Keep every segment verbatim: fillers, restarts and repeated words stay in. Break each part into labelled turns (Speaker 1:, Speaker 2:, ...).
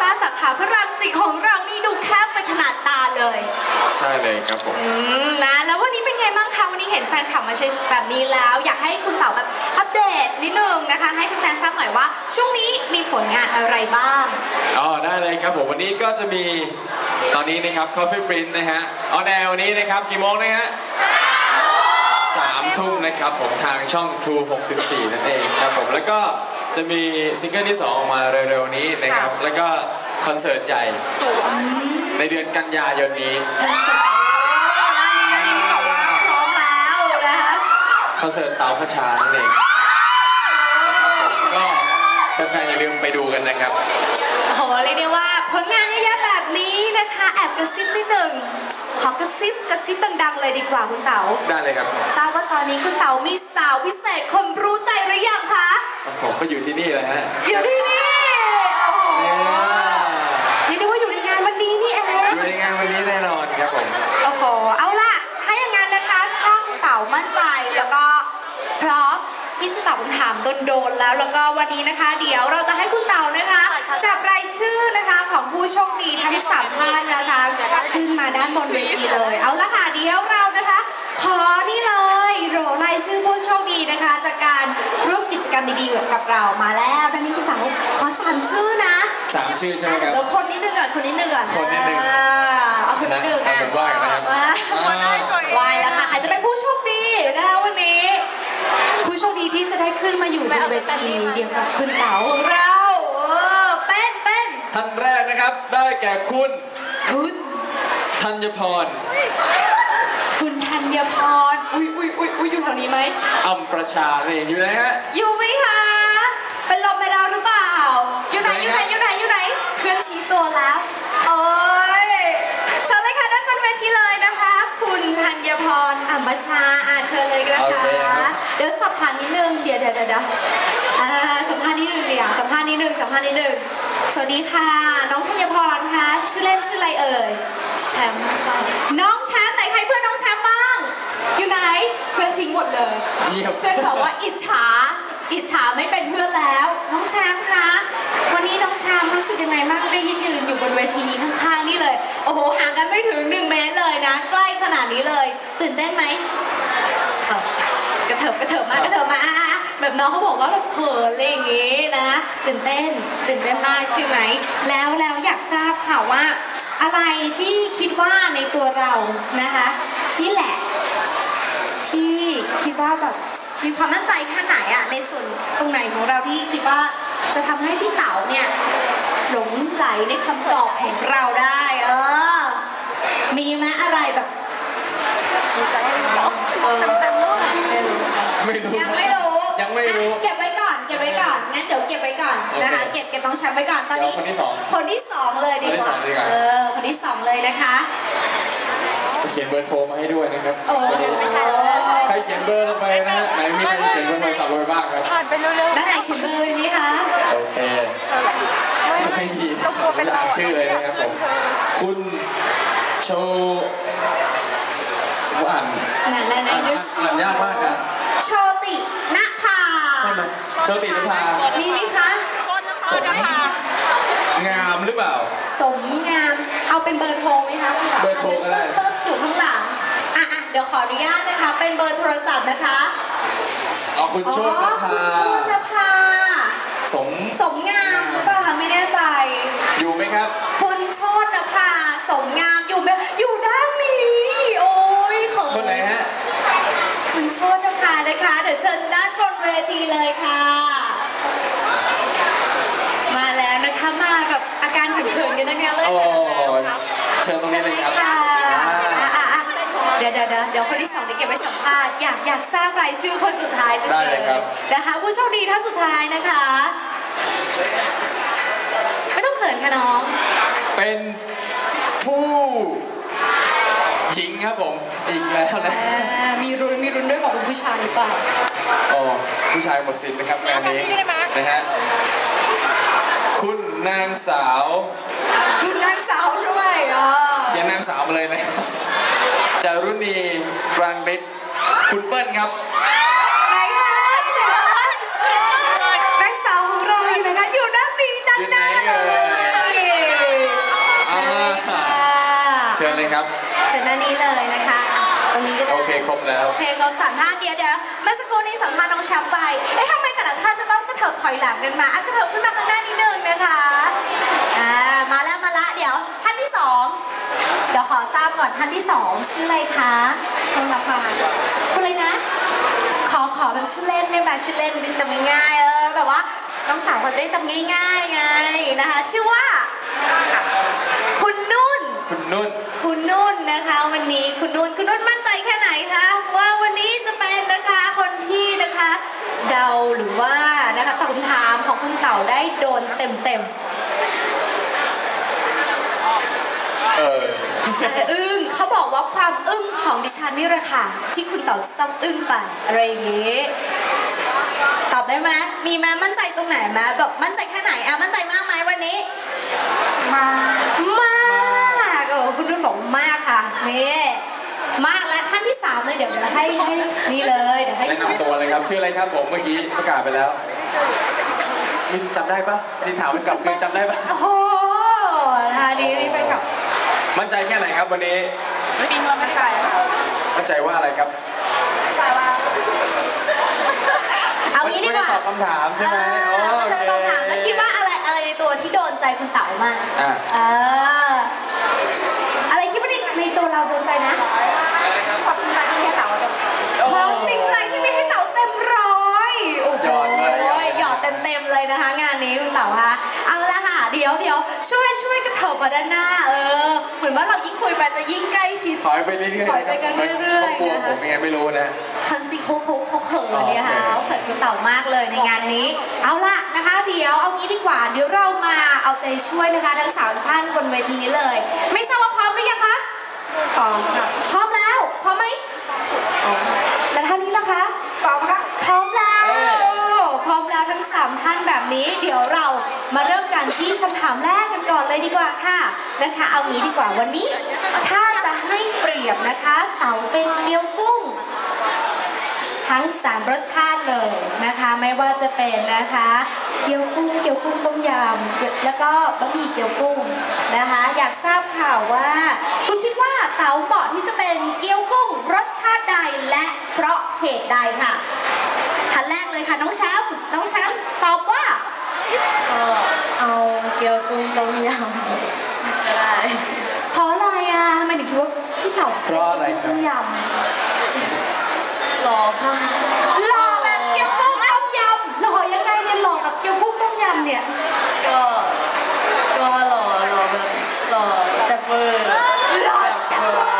Speaker 1: าสาขาพระรามสี่ของเรานี่ดูแคบไปขนาดตาเลย
Speaker 2: ใช่เลยครับผม
Speaker 1: นะแล้ววันนี้เป็นไงบ้างคะวันนี้เห็นแฟนคลับมาเชียร์แบบนี้แล้วอยากให้คุณเต๋าแบบอัปเดตนิดนึงนะคะให้แฟนๆทราบหน่อยว่าช่วงนี้มีผลงานอะไรบ้าง
Speaker 2: อ๋อได้เลยครับผมวันนี้ก็จะมีตอนนี้นะครับ Coffee Print นะฮะออนแอร์วันนี้นะครับกี่โมงนะฮะสามทุ่มนะครับผมทางช่อง True หกสิบสี่นั่นเองครับผมแล้วก็จะมีซิงเกิลที่สองออกมาเร็วๆนี้นะครับแล้วก็คอนเสิร์ตใหญ่ในเดือนกันยายนนี้คอนเสิร์ตเต๋าพระชานั่นเองก็แฟนๆอย่าลืมไปดูกันนะครับ
Speaker 1: โอ้โหเรียกได้ว่าผลงานเยอะแยะแบบนี้นะคะแอบกระซิบนิดหนึ่งขอกระซิบกระซิบดังๆเลยดีกว่าคุณเต๋า
Speaker 2: ได้เลยครับ
Speaker 1: ทราบว่าตอนนี้คุณเต๋ามีสาวพิเศษคนรู้ใจหรือยังคะ
Speaker 2: โอ้โหก็อยู่ที่นี่แหละฮะ
Speaker 1: อยู่ที่นี่โอ้โหเรียกได้ว่าอยู่ในงานวันนี้นี่เอง
Speaker 2: อยู่ในงานวันนี้แน่นอนครับผม
Speaker 1: โอ้โหเอาล่ะถ้าอย่างนั้นนะคะถ้าคุณเต๋ามั่นใจแล้วก็พร้อมที่จะตอบคำถามโดนๆแล้วแล้วก็วันนี้นะคะเดี๋ยวเราจะให้คุณเต๋านะคะจับรายชื่อนะคะของผู้โชคดีทั้งสามท่านนะคะขึ้นมาด้านบนเวทีเลยเอาละค่ะเดี๋ยวเรานะคะขอนี่เลยโรรายชื่อผู้โชคดีนะคะจากการร่วมกิจกรรมดีๆกับเรามาแล้วดังนี้คุณเต๋าขอสามชื่อนะ
Speaker 2: สามชื่อใช่ไหมครับ
Speaker 1: เดี๋ยวคนนิดนึงก่อนคนนิดนึงก่อน
Speaker 2: คนนิดนึง
Speaker 1: เอาคนนิดนึงอ่ะ
Speaker 2: ไหว้นะครับ
Speaker 1: ไหว้แล้วค่ะใครจะเป็นผู้โชคดีนะคะวันนี้ผู้โชคดีที่จะได้ขึ้นมาอยู่บนเวทีเดียวกับคุณเต๋าของเราเออเป็นเป็น
Speaker 2: ท่านแรกนะครับได้แก่คุณ
Speaker 1: คุณ
Speaker 2: ธัญพร
Speaker 1: คุณธัญพรอุ้ยอุ้ยอุ้ยอุ้ยอยู่แถวนี้ไหม
Speaker 2: อัมประชาเนี่ยอยู่ไหนฮะ
Speaker 1: อยู่ไหมคะเป็นลมไปแล้วหรือเปล่าอยู่ไหนอยู่ไหนอยู่ไหนอยู่ไหนเพื่อนชี้ตัวแล้วโอ้ยเชิญเลยค่ะด้านบนเวทีเลยนะคะคุณธัญพรอัมประชาอ่ะเชิญเลยนะคะเดี๋ยวสอบถามนิดนึงเดี๋ยวเดี๋ยวเดี๋ยวอ่าสัมภาษณ์นิดนึงเดี๋ยวสัมภาษณ์นิดนึงสัมภาษณ์นิดนึงสวัสดีค่ะน้องธัญพรคะชื่อเล่นชื่ออะไรเอ่ยแชมป์ค่ะน้องแชมป์ไหนใครเพื่อนน้องแชมป์บ้างอยู่ไหนเพื่อนทิ้งหมดเลยเพื่อนบอกว่าอิจฉาอิจฉาไม่เป็นเพื่อนแล้วน้องแชมป์คะวันนี้น้องแชมป์รู้สึกยังไงบ้างได้ยืนยืนอยู่บนเวทีนี้ข้างๆนี่เลยโอ้โหห่างกันไม่ถึงหนึ่งเมตรเลยนะใกล้ขนาดนี้เลยตื่นเต้นไหมกระเถิบกระเถิบมากระเถิบมาแบบน้องเขาบอกว่าแบบเขินอะไรอย่างงี้นะตื่นเต้นตื่นเต้นมากใช่ไหมแล้วแล้วอยากทราบค่ะว่าอะไรที่คิดว่าในตัวเรานะคะนี่แหละที่คิดว่าแบบมีความมั่นใจแค่ไหนอะในส่วนตรงไหนของเราที่คิดว่าจะทำให้พี่เต๋าเนี่ยหลงไหลในคำตอบของเราได้เออมีไหมอะไรแบบยังไม่รู้
Speaker 2: ยังไม่รู้
Speaker 1: เก็บไว้ก่อนเก็บไว้ก่อนงั้นเดี๋ยวเก็บไว้ก่อนนะคะเก็บเก็บต้องแชมป์ไว้ก่อนตอนนี้
Speaker 2: คนที่สอง
Speaker 1: คนที่สองเลยดีกว่าเออคนที่สองเลยนะคะ
Speaker 2: เขียนเบอร์โทรมาให้ด้วยนะครับใครเขียนเบอร์ลงไปนะฮะไหนมีใครเขียนเบอร์โทรศัพท์ลงไปบ้างครับ
Speaker 1: ผ่านไปเร็วๆด้านไหนเขียนเบอร์ไหมคะ
Speaker 2: โอเคไม่มีไม่อ่านชื่อเลยนะครับผมคุณโชอ่าน
Speaker 1: อ่าน
Speaker 2: อ่านยากมากนะ
Speaker 1: โชติณภา
Speaker 2: ใช่ไหมโชติณภา
Speaker 1: มีไหมคะ
Speaker 2: สมงามหรือเปล่า
Speaker 1: สมงามเอาเป็นเบอร์โทรไหมคะ
Speaker 2: เบอร์โทรก็ได้
Speaker 1: ตึ๊ดอยู่ข้างหลังอ่ะอ่ะเดี๋ยวขออนุญาตนะคะเป็นเบอร์โทรศัพท์นะคะ
Speaker 2: อ๋อคุณโชติณภา
Speaker 1: คุณโชติณภา
Speaker 2: สม
Speaker 1: สมงามหรือเปล่าคะไม่แน่ใจ
Speaker 2: อยู่ไหมครับ
Speaker 1: คุณโชติณภาสมงามอยู่ไหมอยู่ด้านนี้โอ้ยขอ
Speaker 2: คนไหนฮะ
Speaker 1: คุณโชติณภานะคะเดี๋ยวเชิญด้านบนเวทีเลยค่ะมาแล้วนะคะมาแบบอาการเขินๆกันนะเนี่ยเลย
Speaker 2: เชิญตรงนี้เลยครับ
Speaker 1: เดี๋ยวเดี๋ยวเดี๋ยวคนที่สองเดี๋ยวเก็บไว้สัมภาษณ์อยากอยากทราบรายชื่อคนสุดท้ายจังเลยนะคะผู้โชคดีท่านสุดท้ายนะคะไม่ต้องเขินค่ะน้อง
Speaker 2: เป็นผู้หญิงครับผมอีกแล้วนะ
Speaker 1: มีรุนมีรุนด้วยบอกเป็นผู้ชายหรือเปล่า
Speaker 2: อ๋อผู้ชายหมดสิทธิ์นะครับงานนี้นะฮะคุณนางสาว
Speaker 1: คุณนางสาวด้วยอ๋อ
Speaker 2: เขียนนางสาวมาเลยนะจารุณีกลางฤทธิ์คุณเปิ้ลครับ
Speaker 1: ไหนคะไหนคะนางสาวของเราอยู่ไหนคะอยู่ด้านนี้ด้านหน้าเลย
Speaker 2: เชิญเลยครับ
Speaker 1: เชิญด้านนี้เลยนะคะตรงนี้ก็ได้
Speaker 2: โอเคครบแล้ว
Speaker 1: โอเคครบสามท่านเดี๋ยวเดี๋ยวเมื่อสักครู่นี้สัมภาษณ์น้องแชมป์ไปเอ๊ะทำไมแต่ละท่านจะต้องกระเถิบถอยหลังกันมาอ่ะกระเถิบขึ้นมาข้างหน้านิดนึงนะคะอ่ามาแล้วมาละเดี๋ยวท่านที่สองเดี๋ยวขอทราบก่อนท่านที่สองชื่ออะไรคะชมละพาคุณเลยนะขอขอแบบชื่อเล่นได้ไหมชื่อเล่นจำง่ายๆเออแบบว่าน้องเต๋าเขาจะได้จำง่ายๆไงนะคะชื่อว่าคุณนุ่น
Speaker 2: คุณนุ่น
Speaker 1: คุณนุ่นนะคะวันนี้คุณนุ่นคุณนุ่นมั่นใจแค่ไหนคะว่าวันนี้จะเป็นนะคะคนที่นะคะเดาหรือว่านะคะตอบคำถามของคุณเต๋าได้โดนเต็มเต็ม
Speaker 2: เออ
Speaker 1: อึ้งเขาบอกว่าความอึ้งของดิฉันนี่แหละค่ะที่คุณเต๋าจะต้องอึ้งไปอะไรอย่างงี้ตอบได้ไหมมีไหมมั่นใจตรงไหนไหมแบบมั่นใจแค่ไหนอ่ะมั่นใจมากไหมวันนี้มากมากเออคุณนุ่นบอกมากค่ะนี่มากแล้วท่านที่สามเลยเดี๋ยวเดี๋ยวให้ให้นี่เลยเดี๋ยวให้
Speaker 2: แนะนำตัวเลยครับชื่ออะไรครับผมเมื่อกี้ประกาศไปแล้วนี่จำได้ปะนี่ถามมันกลับคือจำได้ปะ
Speaker 1: โอ้โหนะคะดีนี่ไปกับ
Speaker 2: มั่นใจแค่ไหนครับวันนี้
Speaker 1: ไม่มีความมั่นใจค่ะ
Speaker 2: มั่นใจว่าอะไรครับ
Speaker 1: มั่นใจว่าเอางี้ดีกว่า
Speaker 2: ตอบคำถามใช่ไหม
Speaker 1: มันจะตอบคำถามแล้วคิดว่าอะไรอะไรในตัวที่โดนใจคุณเต๋ามากอ่าอะไรคิดว่าในในตัวเราโดนใจนะความจริงใจที่ไม่ให้เต๋าความจริงใจที่ไม่ให้เต๋าเต็มร้อยโอ้โหหยอดเต็มเต็มเลยนะคะงานนี้คุณเต๋าคะเอาละค่ะเดี๋ยวเดี๋ยวช่วยช่วยกระเถิบมาด้านหน้าเออเหมือนว่าเรายิ่งคุยไปจะยิ่งใกล้ชิด
Speaker 2: ถอยไปเรื่อยๆ
Speaker 1: ถอยไปกันเรื่อย
Speaker 2: ๆเขากลัวผมยังไงไม่รู้นะ
Speaker 1: ทันจริงเขาเขาเขาเขินเนี่ยค่ะเขาเขินคุณเต๋ามากเลยในงานนี้เอาละนะคะเดี๋ยวเอางี้ดีกว่าเดี๋ยวเรามาเอาใจช่วยนะคะทั้งสามท่านบนเวทีนี้เลยไม่ทราบว่าพร้อมหรือยังคะพร้อมค่ะพร้อมแล้วพร้อมไหมแล้วท่านนี้ล่ะคะพร้อมค่ะพร้อมแล้วพร้อมแล้วทั้งสามท่านแบบนี้เดี๋ยวเรามาเริ่มกันที่คำถามแรกกันก่อนเลยดีกว่าค่ะนะคะเอางี้ดีกว่าวันนี้ถ้าจะให้เปรียบนะคะเต๋าเป็นเกี๊ยวกุ้งทั้งสามรสชาติเลยนะคะไม่ว่าจะเป็นนะคะเกี๊ยวกุ้งเกี๊ยวกุ้งต้มยำแล้วก็บะหมี่เกี๊ยวกุ้งนะคะอยากทราบข่าวว่าคุณคิดว่าเต๋าเหมาะที่จะเป็นเกี๊ยวกุ้งรสชาติใดและเพราะเหตุใดค่ะท่านแรกเลยค่ะน้องแชมป์น้องแชมป์ตอบว่า
Speaker 3: เออเอาเกี๊ยวกุ้งต้มยำก็ได้
Speaker 1: เพราะอะไรอ่ะทำไมถึงคิดว่าพี่เต๋า
Speaker 2: เพราะอะไรครับ
Speaker 1: ต้มยำ
Speaker 3: หล่อค่ะ
Speaker 1: หล่อแบบเกี๊ยวกุ้งต้มยำหล่อยังไงเนี่ยหล่อแบบเกี๊ยวกุ้งต้มยำเนี่ย
Speaker 3: ก็ก็หล่อหล่อแบบหล่อแซ่บเวอร์
Speaker 1: หล่อแซ่บเวอร์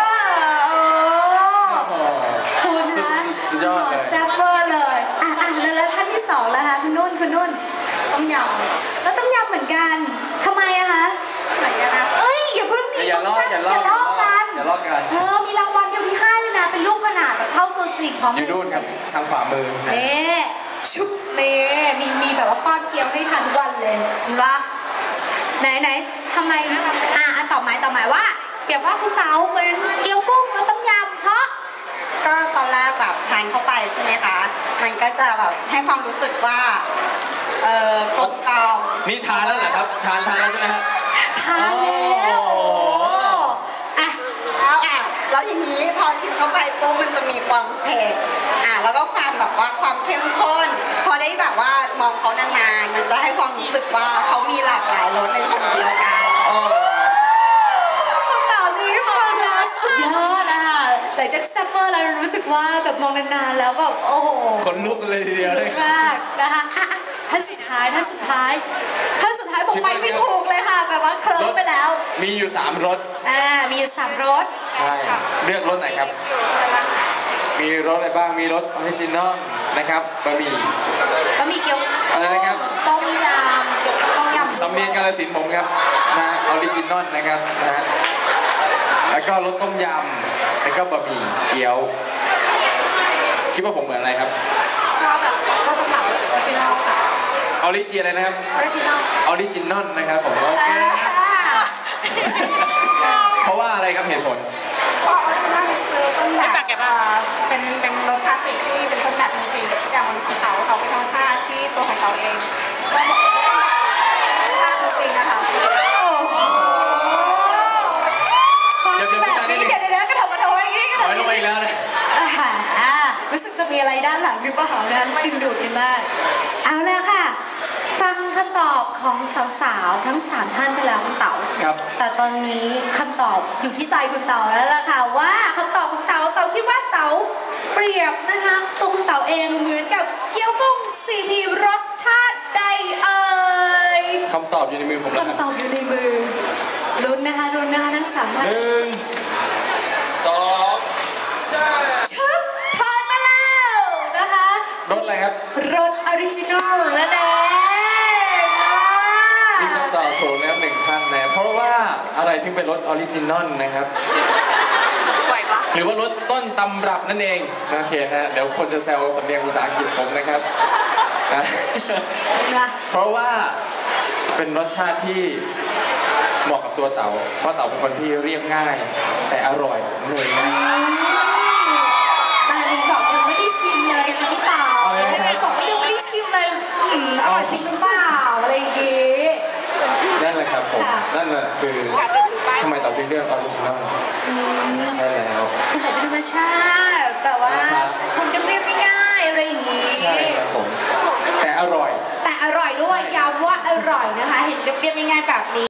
Speaker 1: คุณนะ
Speaker 2: สุดยอดเลย
Speaker 1: แซ่บเวอร์เลยอ่ะอ่ะแล้วท่านที่สองแล้วคะคุณนุ่นคุณนุ่น
Speaker 3: ต้มยำ
Speaker 1: แล้วต้มยำเหมือนกันทำไมอะคะ
Speaker 3: เหมือนกันนะ
Speaker 1: เอ้ยอย่าเพิ่งหนี
Speaker 2: อย่าลอกอย่าลอก
Speaker 1: กัน
Speaker 2: อย่าลอกกัน
Speaker 1: เออมีรางวัลเดียวที่ให้เลยนะเป็นลูกขนาดแบบเท่าตัวจริงของ
Speaker 2: อยู่นู่นครับทางขวามือ
Speaker 1: เน่ชุบเน่มีมีแบบว่าป้อนเกี๊ยวให้ทานทุกวันเลยเห็นปะไหนไหนทำไมอ่ะอ่ะตอบหมายตอบหมายว่าเปรียบว่าคุณเต๋าเป็นเกี๊ยวกุ้งแล้วต้มยำเพราะ
Speaker 3: ก็ตอนแรกแบบทานเข้าไปใช่ไหมคะมันก็จะแบบให้ความรู้สึกว่าเออกลมกล่อม
Speaker 2: นี่ทานแล้วเหรอครับทานทานแล้วใช่ไหมฮะ
Speaker 1: ทานแล้ว
Speaker 3: อ่ะแล้วอ่ะแล้วทีนี้พอชิมเข้าไปปุ๊บมันจะมีความเผ็ดอ่ะแล้วก็ความแบบว่าความเข้มข้นพอได้แบบว่ามองเขานานๆมันจะให้ความรู้สึกว่าเขามีหลากหลายรสในคนเดียวกัน
Speaker 1: คำตอบนี้ฟังแล้วสุดยอดอ่ะแต่จากสเตปเปอร์เรารู้สึกว่าแบบมองนานๆแล้วแบบโอ้โห
Speaker 2: คนลุกเลยทีเดียวเลย
Speaker 1: มากนะคะท่านสุดท้ายท่านสุดท้ายท่านสุดท้ายบอกไปไม่ถูกเลยค่ะแบบว่าเคลิ้มไปแล้ว
Speaker 2: มีอยู่สามรส
Speaker 1: อ่ามีอยู่สามรส
Speaker 2: ใช่เลือกรสไหนครับมีรสอะไรบ้างมีรสออริจินอลนะครับบะหมี่
Speaker 1: บะหมี่เกี๊ยว
Speaker 2: อะไรนะครับ
Speaker 1: ต้มยำเกี๊ยวต้มยำ
Speaker 2: สำเนียงกาฬสินธุ์ผมครับนะออริจินอลนะครับนะแล้วก็รสต้มยำแล้วก็บะหมี่เกี๊ยวคิดว่าผมเหมือนอะไรครับ
Speaker 1: ชอบแบบรสต้มยำออริจินอลค่ะ
Speaker 2: ออริจินอะไรนะครับ
Speaker 1: ออริจินอล
Speaker 2: ออริจินอลนะครับผมโอเคเพราะว่าอะไรครับเหตุผล
Speaker 1: เพราะออริจินอลคือต้นแบบเป็นเป็นรสคลาสสิกที่เป็นต้นแบบจริงๆอย่างของเขาเขาเป็นธรรมชาติที่ตัวของเขาเองธรรมชาติจริงๆนะคะโอ้โหรู้สึกจะมีอะไรด้านหลังหรือเปล่านะดึงดูดกันมากเอาเลยค่ะ ฟังคำตอบของสาวๆทั้งสามท่านไปแล้วคุณเต๋า
Speaker 2: ครับ
Speaker 1: แต่ตอนนี้คำตอบอยู่ที่ใจคุณเต๋าแล้วล่ะค่ะว่าคำตอบของเต๋าเต๋าคิดว่าเต๋าเปรียบนะคะตัวคุณเต๋าเองเหมือนกับเกี๊ยวกุ้งซีพีรสชาติใดเอ่ย
Speaker 2: คำตอบอยู่ในมือผมแล้วครับ
Speaker 1: คำตอบอยู่ในมือลุ้นนะคะลุ้นนะคะทั้งสามท่าน
Speaker 2: หนึ่งสอง
Speaker 1: ชึบผ่านมาแล้วนะคะ
Speaker 2: รถอะไรครับ
Speaker 1: รสออริจินอลนั่นเอง
Speaker 2: มีคำตอบถูกนะครับหนึ่งท่านนะเพราะว่าอะไรถึงเป็นรถออริจินอลนะครับ
Speaker 1: ไหวปะ
Speaker 2: หรือว่ารถต้นตำรับนั่นเองโอเคฮะเดี๋ยวคนจะแซวสำเนียงภาษาอังกฤษผมนะครับนะ
Speaker 1: นะ
Speaker 2: เพราะว่าเป็นรสชาติที่เหมาะกับตัวเต๋าเพราะเต๋าเป็นคนที่เรียบง่าย แต่อร่อยเลยนะ
Speaker 1: ตอนนี้บอกยังไม่ได้ชิมเลยค่ะพี่เต๋า
Speaker 2: เอาเลยนะครับ
Speaker 1: บอกว่ายังไม่ได้ชิมเลยอืมอร่อยจริงหรือเปล่าอะไรอย่างงี้
Speaker 2: นั่นแหละครับผม
Speaker 1: ค่ะ
Speaker 2: นั่นแหละคือทำไมเต๋าถึงเลือกออริจินอลใช่แล้ว
Speaker 1: คือแต่เป็นธรรมชาติแบบว่า
Speaker 2: ครับ
Speaker 1: ทำเรียบๆง่ายๆอะไรอย่างงี้
Speaker 2: ใช่ครับผมแต่อร่อย
Speaker 1: แต่อร่อยด้วยย้ำว่าอร่อยนะคะ เห็นเรียบๆง่ายๆแบบนี้